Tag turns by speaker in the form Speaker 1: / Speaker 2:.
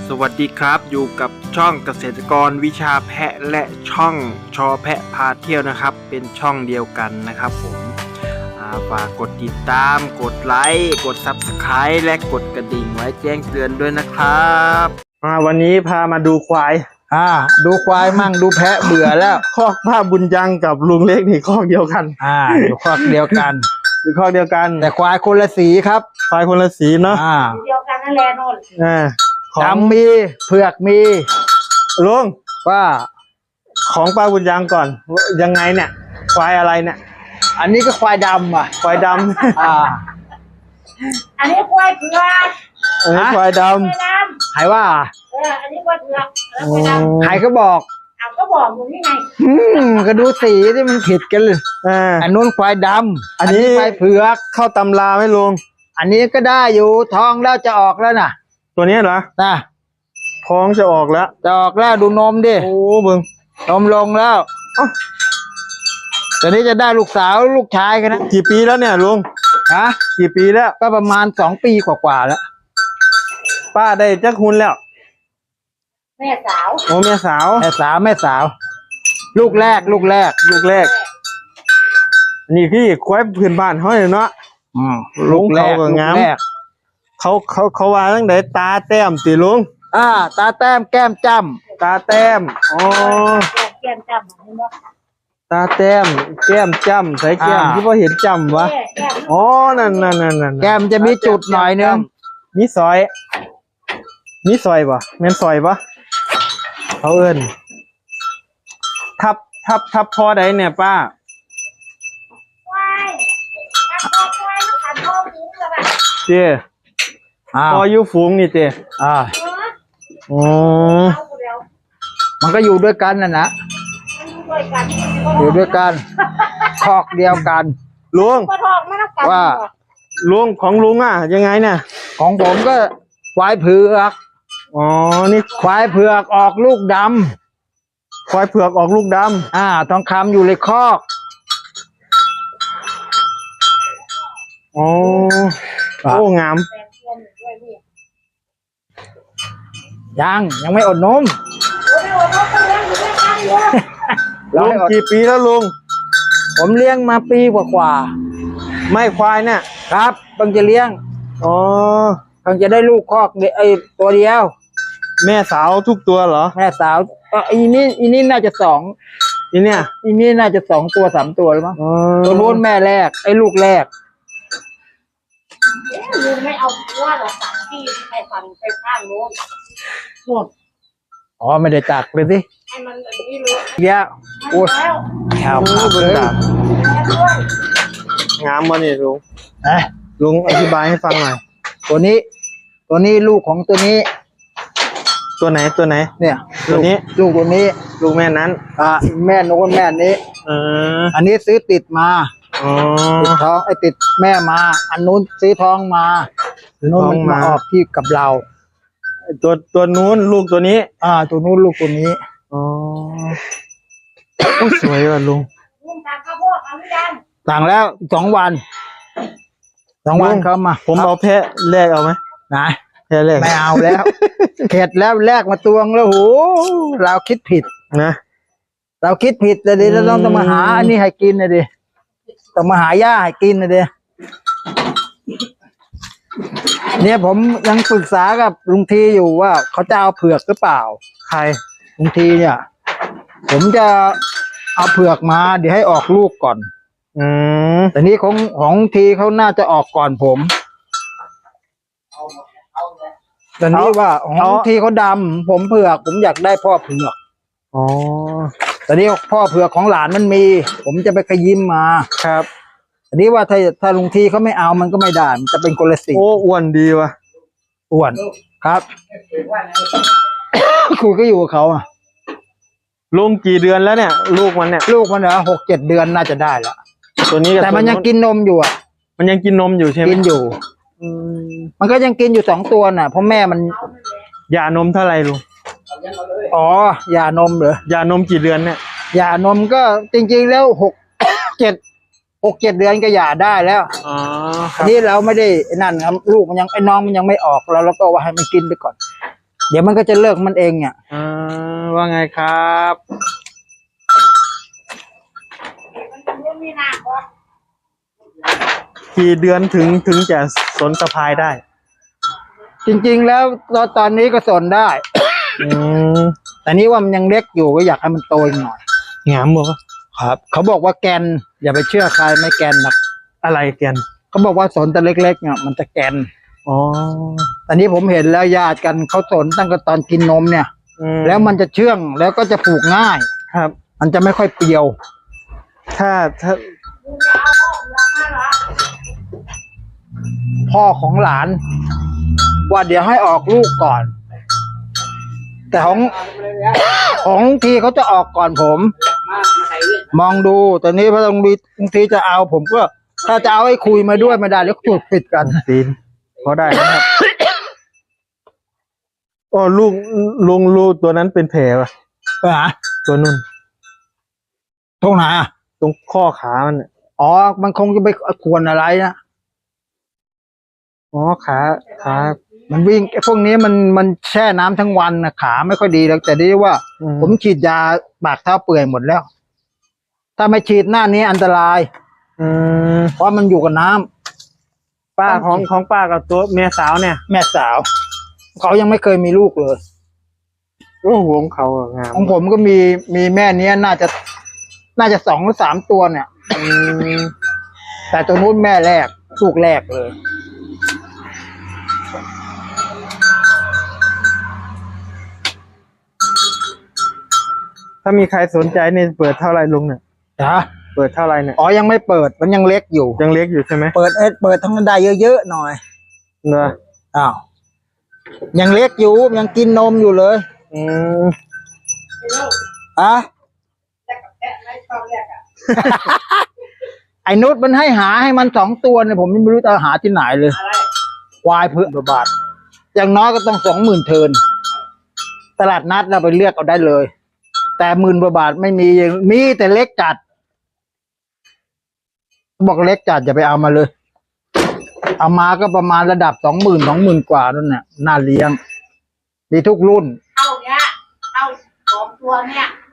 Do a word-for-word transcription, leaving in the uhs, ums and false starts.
Speaker 1: สวัสดีครับอยู่กับช่องเกษตรกรวิชาแพะและช่องชอแพะพาเที่ยวนะครับเป็นช่องเดียวกันนะครับผมฝากกดติดตามกดไลค์กด ซับสไครบ์ และกดกระดิ่งไว้แจ้งเตือนด้วยนะครับวันนี้พามาดูควาย
Speaker 2: อ่าดูควายมั่งดูแพะเบื่อแล้ว
Speaker 1: คอกป้าบุญยังกับลุงเล็กนี่คอกเดียวกัน
Speaker 2: อ่าอยู่คอกเดียวกัน
Speaker 1: อยู่คอกเดียวกัน
Speaker 2: แต่ควายคนละสีครับ
Speaker 1: ควายคนละสีเนาะ
Speaker 2: อ่า
Speaker 3: เดียวกันนั่นแหละโน่น
Speaker 1: อ่า
Speaker 2: ดำมีเผือกมี
Speaker 1: ลุง
Speaker 2: ว่า
Speaker 1: ของป้าบุญยังก่อนยังไงเนี่ยควายอะไรเนี่ย
Speaker 2: อันนี้ก็ควายดำอ่ะ
Speaker 1: ควายดำ
Speaker 2: อ่า
Speaker 3: อันนี้ควายเผือก
Speaker 1: อันนี้ควายด
Speaker 2: ำใครว่า
Speaker 3: เอออันนี้ควายเผือกแล้วควายดำ
Speaker 2: ใครก็บอก
Speaker 3: อ้าวก็บอกอยู่นี่ไง
Speaker 2: อืมก็ดูสีที่มันผิดกันเลย
Speaker 1: อ่า
Speaker 2: อันนู้นควายดำ
Speaker 1: อันนี้
Speaker 2: ควายเผือก
Speaker 1: เข้าตำราไหมลุง
Speaker 2: อันนี้ก็ได้อยู่ท้องแล้วจะออกแล้วน่ะ
Speaker 1: ตัวนี้เหรอ
Speaker 2: น่ะ
Speaker 1: ท้องจะออกแล้ว
Speaker 2: จะออกแล้วดูนมดิ
Speaker 1: โอ้เบิ่ง
Speaker 2: นมลงแล้วตอนนี้จะได้ลูกสาวลูกชายกันนะ
Speaker 1: กี่ปีแล้วเนี่ยลุง
Speaker 2: ฮะ
Speaker 1: กี่ปีแล้ว
Speaker 2: ก็ประมาณสองปีกว่าๆแล้ว
Speaker 1: ป้าได้จักหุนแล้ว
Speaker 3: แม่สาว
Speaker 1: โอ้แม่สาว
Speaker 2: แม่สาวแม่สาวลูกแรกลูกแรก
Speaker 1: ลูกแรกนี่พี่ควายพื้นบ้านเขาเลยเนาะ
Speaker 2: อืม
Speaker 1: ลุงเขาก็งามเขาเขาเขาว่าตั้งแต่ตาแต้มติลุง
Speaker 2: อ่าตาแต้มแก้มจ้
Speaker 1: ำตาแต้มอ๋อ
Speaker 3: แก้มจ้ำเห็นไหม
Speaker 1: ตาแต้มแก้มจ้ำใส่แก้มที่พ่อเห็นจ้ำวะอ๋อนั่นนั่นนั่นนั่น
Speaker 2: แก้มจะมีจุดหน่อยนึง
Speaker 1: มีซอยมีซอยปะแม่นซอยปะเขาเอิ้นทับทับทับพอใดเนี่ยป้า
Speaker 3: ควายทับพอควายแล้วขันพอฝูงแล้วแบบ
Speaker 1: เจ้พออยู่ฝูงนี่เจ้
Speaker 2: อ่า
Speaker 1: อ๋อ
Speaker 2: มันก็อยู่ด้วยกันน่ะนะอยู่ด้วยกันคอกเดียวกัน
Speaker 1: ลุง
Speaker 2: ว่า
Speaker 1: ลุงของลุงอ่ะยังไงเนี่ย
Speaker 2: ของผมก็ควายเผือก
Speaker 1: อ๋อนี่
Speaker 2: ควายเผือกออกลูกด
Speaker 1: ำควายเผือกออกลูกด
Speaker 2: ำอ่าทองคำอยู่ในคอก
Speaker 1: อ๋อโอ้งาม
Speaker 2: ยังยังไม่อดนม
Speaker 1: ลุงกี่ปีแล้วลุง
Speaker 2: ผมเลี้ยงมาปีกว่าๆ
Speaker 1: ไม่ควายเนี่ย
Speaker 2: ครับเพิ่งจะเลี้ยง
Speaker 1: อ๋อ
Speaker 2: เพิ่งจะได้ลูกคอกไอ้ตัวเดียว
Speaker 1: แม่สาวทุกตัวเหรอ
Speaker 2: แม่สาวอีนี่อีนี่น่าจะสอง
Speaker 1: อีเนี่ย
Speaker 2: อีนี่น่าจะสองตัวสามตัวหรือมั้งตัวนู้นแม่แรกไอ้ลูกแรก
Speaker 3: ลุงไม่เอาว่าเราตัดที่ไปฝั่งไปข้างโน้นหมด
Speaker 2: อ๋อไม่ได้ตักเลยสิ
Speaker 3: ให้มันแบบนี้เลย
Speaker 2: เยอะโอ้ยแถวเลย
Speaker 1: งามมาเนี่ยลุง
Speaker 2: เอ๊ะ
Speaker 1: ลุงอธิบายให้ฟังหน่อย
Speaker 2: ตัวนี้ตัวนี้ลูกของตัวนี้
Speaker 1: ตัวไหนตัวไหน
Speaker 2: เนี่ย
Speaker 1: ตัวนี้
Speaker 2: ลูกตัวนี้
Speaker 1: ลูกแม่นั้น
Speaker 2: อ่าแม่โน้นแม่นี้
Speaker 1: เออ
Speaker 2: อันนี้ซื้อติดมา
Speaker 1: อ๋อ
Speaker 2: ติดท้องไอ้ติดแม่มาอันนู้นซื้อท้องมานู้นมันมาออกที่กับเรา
Speaker 1: ตัวตัวนู้นลูกตัวนี้
Speaker 2: อ่าตัวนู้นลูกตัวนี้
Speaker 1: อ๋อสวยว่ะลุง
Speaker 3: ลุงสั่งข้าวโพดเอาหรือยัง
Speaker 2: สั่งแล้วสองวันสองวันเขามา
Speaker 1: ผมเอาแพะแลกเอาไหม
Speaker 2: นะ
Speaker 1: แพะแลก
Speaker 2: ไม่เอาแล้วเข็ดแล้วแลกมาตวงแล้วโหเราคิดผิด
Speaker 1: นะ
Speaker 2: เราคิดผิดเลยดิเราต้องมาหาอันนี้ให้กินเลยดิต้องมาหาหญ้าให้กินเลยดิเนี่ยผมยังปรึกษากับลุงทีอยู่ว่าเขาจะเอาเผือกหรือเปล่า
Speaker 1: ใคร
Speaker 2: ลุงทีเนี่ยผมจะเอาเผือกมาเดี๋ยวให้ออกลูกก่อน
Speaker 1: อืม
Speaker 2: แต่นี้ของของทีเขาน่าจะออกก่อนผมแต่นี้ว่าของทีเขาดำผมเผือกผมอยากได้พ่อเผือก
Speaker 1: อ๋อ
Speaker 2: แต่นี้พ่อเผือกของหลานมันมีผมจะไปขยิมมา
Speaker 1: ครับ
Speaker 2: อันนี้ว่าถ้าถ้าลุงทีเขาไม่เอามันก็ไม่ได้มันจะเป็นคนละสี
Speaker 1: โอ้อ้วนดีว่ะ
Speaker 2: อ้วนครับคุยก็อยู่กับเขาอ่ะ
Speaker 1: ลุงกี่เดือนแล้วเนี่ยลูกมันเนี่ย
Speaker 2: ลูกมันเหรอหกเจ็ดเดือนน่าจะได้แล้ว
Speaker 1: ตัวนี้
Speaker 2: แต่มันยังกินนมอยู่อ่ะ
Speaker 1: มันยังกินนมอยู่ใช่ไหม
Speaker 2: กินอยู่มันก็ยังกินอยู่สองตัวน่ะเพราะแม่มัน
Speaker 1: ยานมเท่าไหร่ลุง
Speaker 2: อ๋อยานมเหรอย
Speaker 1: านมกี่เดือนเนี่ย
Speaker 2: ยานมก็จริงๆแล้วหกเจ็ดหกเจ็ดเดือนก็หย่าได้แล้ว
Speaker 1: อ๋อ
Speaker 2: นี่เราไม่ได้นั่นครับลูกมันยังไอ้น้องมันยังไม่ออกแล้วเราก็ว่าให้มันกินไปก่อนเดี๋ยวมันก็จะเลิกมันเองเนี่ย
Speaker 1: อ่าว่าไงครับ
Speaker 3: มันจะมีหน้าก่อน
Speaker 1: กี่เดือนถึงถึงจะสนสะพายได้
Speaker 2: จริงๆแล้วตอนตอนนี้ก็สนได้
Speaker 1: อืม
Speaker 2: แต่นี้ว่ามันยังเล็กอยู่ก็อยากให้มันโตอีกหน่อย
Speaker 1: งามบ่
Speaker 2: ครับ เขาบอกว่าแกน อย่าไปเชื่อใครไม่แกนหรอก
Speaker 1: อะไรแกน
Speaker 2: เขาบอกว่าสนแต่เล็กๆเนี่ยมันจะแกน
Speaker 1: อ๋อ
Speaker 2: ตอนนี้ผมเห็นแล้วญาติกันเขาสนตั้งแต่ตอนกินนมเนี่ย
Speaker 1: อืม
Speaker 2: แล้วมันจะเชื่องแล้วก็จะผูกง่าย
Speaker 1: ครับ
Speaker 2: มันจะไม่ค่อยเปรียว
Speaker 1: ถ้าถ้า
Speaker 3: มึงจะเอาออกแล้วมาเหรอ
Speaker 2: พ่อของหลาน ว่าเดี๋ยวให้ออกลูกก่อน แต่ของของลุงทีเขาจะออกก่อนผม มองดูตอนนี้พระลุงทีลุงทีจะเอาผมก็ ถ้าจะเอาให้คุยมาด้วยไม่ได้แล้วจุดผิดกัน
Speaker 1: ตีนพอได้นะครับ โอ้ลูกลุงลูกตัวนั้นเป็นแผลป่ะ
Speaker 2: ไปหา
Speaker 1: ตัวนุ่น
Speaker 2: ตรงไหนอ่ะ
Speaker 1: ตรงข้อขามันน่ะ
Speaker 2: อ๋อ มันคงจะไปควรอะไรนะ
Speaker 1: อ๋อขาขา
Speaker 2: มันวิ่งไอ้พวกนี้มันมันแช่น้ำทั้งวันนะขาไม่ค่อยดีแล้วแต่ดีว่า
Speaker 1: อื
Speaker 2: ผมฉีดยาปากเท้าเปื่อยหมดแล้ว ถ้าไม่ฉีดหน้านี้อันตราย
Speaker 1: อืม
Speaker 2: เพราะมันอยู่กับน้ำ
Speaker 1: ป้าของของป้ากับตัวเมียสาวเนี่ย
Speaker 2: แม่สาว เขายังไม่เคยมีลูกเลย
Speaker 1: โอ้โหของเขาอะงาม
Speaker 2: ของผมก็มีมีแม่เนี้ยน่าจะ น่าจะสองหรือสามตัวเนี่ย
Speaker 1: อืม
Speaker 2: แต่ตัวนู้นแม่แรกลูกแรกเลย
Speaker 1: ถ้ามีใครสนใจนี่เปิดเท่าไหรลุงเนี่ย
Speaker 2: นะ
Speaker 1: เปิดเท่าไหรเนี่ย
Speaker 2: อ๋อยังไม่เปิดมันยังเล็กอยู่
Speaker 1: ยังเล็กอยู่ใช่ไหม
Speaker 2: เปิดเอ็ดเปิดทั้งได้เยอะๆหน่อย
Speaker 1: เนอะ
Speaker 2: อ้าวยังเล็กอยู่ยังกินนมอยู่เลย
Speaker 1: อืม
Speaker 2: อ่ะ
Speaker 3: แต่กับแพะไม่ชอบแรกอ่ะ
Speaker 2: ไอ้นุชมันให้หาให้มันสองตัวเนี่ยผมยังไม่รู้จะหาที่ไหนเลย
Speaker 3: อะไร
Speaker 2: ควายเพื่อบาท อย่างน้อยก็ต้องสองหมื่นเทินตลาดนัดเราไปเลือกเอาได้เลย แต่หมื่นกว่าบาทไม่มีมีแต่เล็กจัด บอกเล็กจัดอย่าไปเอามาเลย เอามาก็ประมาณระดับสองหมื่นสองหมื่นกว่านั่นน่ะน่าเลี้ยงดีทุกรุ่น
Speaker 3: เอาเนี้ยเอาสองตัวเนี่ย